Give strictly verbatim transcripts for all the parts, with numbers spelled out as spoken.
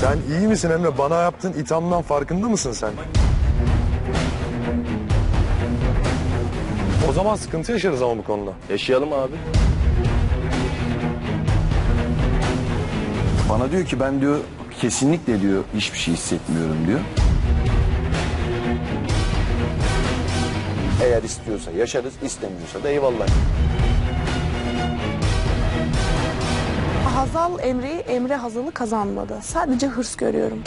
Sen iyi misin Emre? Bana yaptığın ithamdan farkında mısın sen? O zaman sıkıntı yaşarız ama bu konuda. Yaşayalım abi. Bana diyor ki ben diyor kesinlikle diyor hiçbir şey hissetmiyorum diyor. Eğer istiyorsa yaşarız, istemiyorsa da eyvallah. Hazal Emre'yi, Emre Hazal'ı kazanmadı. Sadece hırs görüyorum.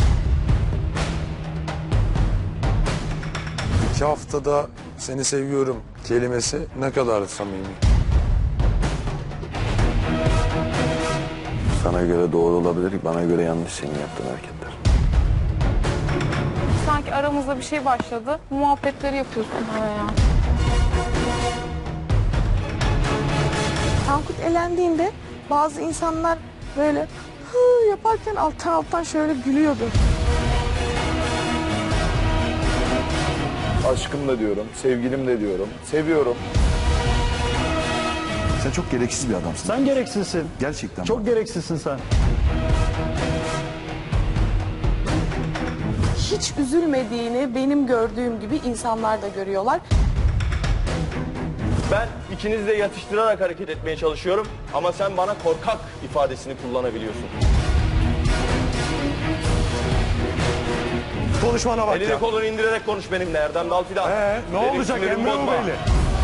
İki haftada seni seviyorum kelimesi ne kadar samimi. Sana göre doğru olabilir, bana göre yanlış senin yaptığın hareketler. Sanki aramızda bir şey başladı. Bu muhabbetleri yapıyorsun hala ya. Tankut elendiğinde bazı insanlar böyle hı yaparken alttan alttan şöyle gülüyordu. Aşkım da diyorum, sevgilim de diyorum, seviyorum. Sen çok gereksiz bir adamsın. Sen gereksizsin. Gerçekten. Çok bak. gereksizsin sen. Hiç üzülmediğini benim gördüğüm gibi insanlar da görüyorlar. Ben ikinizi de yatıştırarak hareket etmeye çalışıyorum ama sen bana korkak ifadesini kullanabiliyorsun. Konuşmana bak Elini ya. kolunu indirerek konuş benimle Erdem Dalfidan. Ee, ne Benim olacak sinirimi Emre bozma. Bey'le?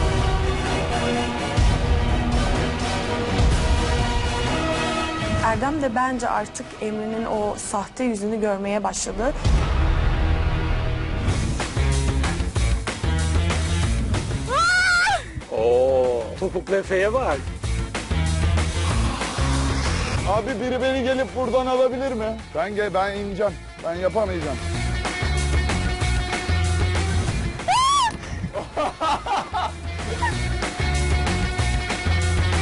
Erdem de bence artık Emre'nin o sahte yüzünü görmeye başladı. Oo, topuklu Efe'ye bak. Abi biri beni gelip buradan alabilir mi? Ben gel, ben ineceğim. Ben yapamayacağım.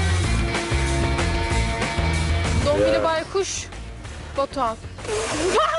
Dombili baykuş. Batuhan.